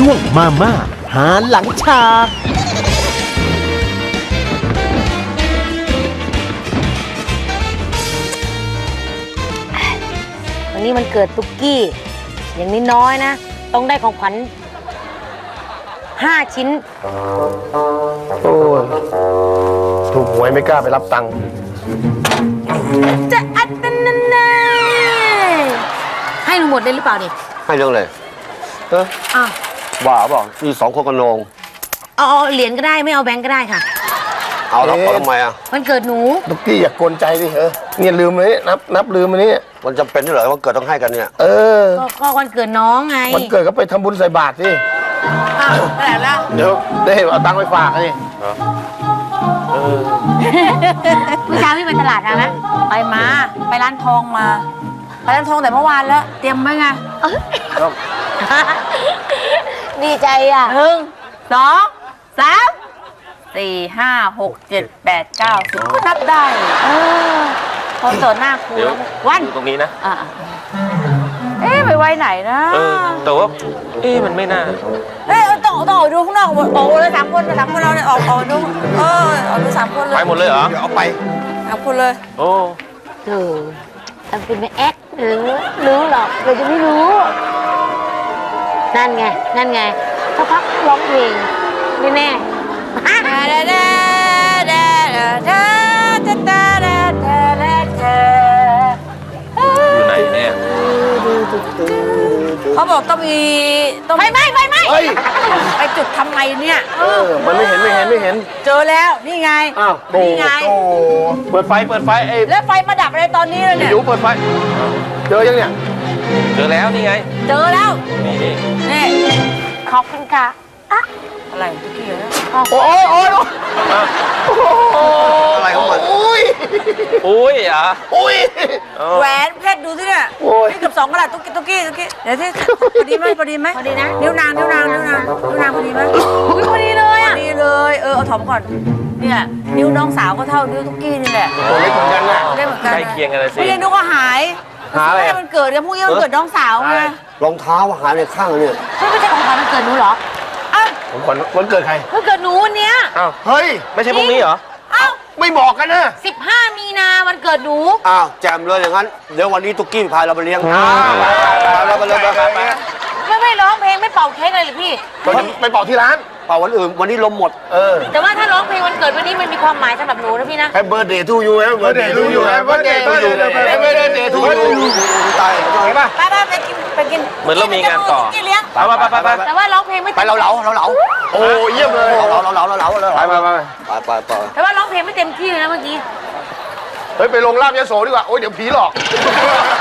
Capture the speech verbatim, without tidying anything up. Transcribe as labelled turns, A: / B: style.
A: ช่วงมาม่าหาหลังฉาก
B: วันนี้มันเกิดตุ๊กกี้ อย่างนี้น้อยนะ ต้องได้ของขวัญห้าชิ้น
C: โอ้ยถูกหวยไม่กล้าไปรับตังค์
B: จะอัดนันนันนันให้หนูหมดเลยหรือเปล่าดิ
D: ให้เรื่องเลยเออ
B: อ้าว
D: บ้าเปล่ามีสองคนกันนอง
B: เอาเอาเหรียญก็ได้ไม่เอาแบงก์ก็ได้ค่ะ
D: เอาแล้วเอาทำไมอ่ะ
B: มันเกิดหนู
C: ตุ๊กกี้อย่ากกวนใจดิเออเนี่ยลืมเลยนับนับลืมอันนี้
D: มันจำเป็นที่เหรอว่าเกิดต้องให้กันเนี่ย
C: เออ
B: ก็ก็วันเกิดน้องไง
C: วันเกิดก็ไปทำบุญใส่บาตรสิ
B: อ้าวไปไหนแล้ว
C: เดี๋ยวได้เอาตังค์ไปฝากนี่
B: เมื่อเช้าพี่ไปตลาดมาไหมไปมา ไปร้านทองมา ไปร้านทองแต่เมื่อวานแล้ว เตรียมไว้ไงดีใจอ่ะหนึ่งสองสามสี่ห้าหกเจ็ดแปดเก้าสิบก็นับได้เออพอโจทย์หน้าครูแล้ววัน
E: ตรงนี้นะ
B: อ่ะเอ๊ะไปไว้ไหนนะ
E: เออ แต่ว่า เอ๊ะมันไม่น่า
B: เอ๊ะต้องต้องออกดูข้างนอกออกเลยสามคนสามคนเราเนี่ยออกออกดูเออออกดูสามคนเลย
E: ไปหมดเลยเหรอ
C: เดี๋ยวเอาไป
B: สามคนเลย
E: โอ้
B: เออทำเป็นไม่แอ๊กหรือรู้หรอกเราจะไม่รู้ นั่นไง นั่นไงสักพักร้องเพลงแน่ๆ
E: อยู่ไหนเนี่ย
F: เขาบอกต้องมีต้อง
B: ไฟไหม้ไฟไหม้
C: เฮ้ย
F: ไปจุดทำไงเนี่ย
C: เออมันไม่เห็นไม่เห็นไม่เห็น
F: เจอแล้วนี่ไง
C: อ้าวโต
F: นี่ไง
C: โตเปิดไฟเปิดไฟไอ้
F: แล้วไฟมาดับอะไรตอนนี้เลยเนี่ย
C: หิวเปิดไฟเจอยังเนี่ย
E: เจอแล้วนี่ไง
F: เจอแล้ว
E: นี่นี่
F: นี่
B: ขอบคุณค่ะ
F: อะไรตะกี้เหรอ
C: โอ้ยโอ้ย
D: อะไรของมัน
C: โอ้ย
E: อุ้ยอ่ะ
C: โอ้ย
E: เออ
F: แหวนเพชรดูสิเนี่ย
C: โอ้ย
F: นี่เกือบสองกะรัตตุ๊กกี้ตุ๊กกี้ตุ๊กกี้เดี๋ยวที่พอดีไหมพอดีไหม
B: พอดีนะ
F: นิ้วนางนิ้วนางนิ้วนางนิ้วนางพอดีไหม
B: อุ๊ยพอดีเลย
F: พอ
B: อ่ะ
F: ดีเลยเออเอาถอมก่อนเนี่ยนิ้วน้องสาวก็เท่านิ้วตุ๊กกี้นี่แหละ
C: ตัวเล็กเหมือนกันน่ะ
F: ได้เหมือนกัน
E: ใกล้เคียงกันเลยสิ
F: ไม่ได้นึกว่าหาย
C: หาอะไรอะ
F: ม่มันเกิดกันพรุ่งนี้มันเกิดน้องสาวไง
D: รองเท้าหายในข้างเนี่ย
B: ไม่ไม่ใช่ของขวัญวันเกิดหนูเหรอ
F: อ้าว
C: ผมขวัญวันเกิดใคร
B: วันเกิดหนูวันเนี้ย
E: อ้าว
C: เฮ้ย
E: ไม่ใช่พรุ่งนี้เหรอ
B: อ้าว
C: ไม่บอกกันนะ
B: สิบห้ามีนาวันเกิดหนู
D: อ้าวแจมเลยอย่างนั้น เดี๋ยววันนี้ตุ๊กกี้พาเราไปเลี้ยง
C: อ่า
D: พาเราไปเลยไปไปไป
B: ไม่ไม่ร้องเพลงไม่เป่าเค้กเลยหรือพี่
C: ไปไปบอกที่ร้าน
D: เปล่าวันอื่นวันนี้ลมหมด
C: เออ
B: แต่ว่าถ้าร้องเพลงวันเกิดวันนี้มันมีความหมายสำหรับหนูนะพี่นะ
C: แฮปเบอร์เดย์ทูยูแฮปเบอร์เดย์ทูยูแฮปเบอร์เดย์ทูยูแฮปเบอร์เดย์ทูยู
D: ตายเห็นป่ะ
F: ไปไปไปกินไปกิน
E: เหมือนเรามีงานต่อ
F: กินเลี้ยง
E: ไปไปไปไป
B: แต่ว่าร้องเพลงไม่
D: ไปเราเหลาเราเหลา
C: โอ้เยี่ยมเลย
D: เราเหลาเราเหลาเราเหลา
C: ไปไปไป
D: ไปไปไป
B: แต่ว่าร้องเพลงไม่เต็มที่เลยนะเมื่อกี้
C: เฮ้ยไปลงลาบยโสดีกว่าโอ้ยเดี๋ยวผีหลอก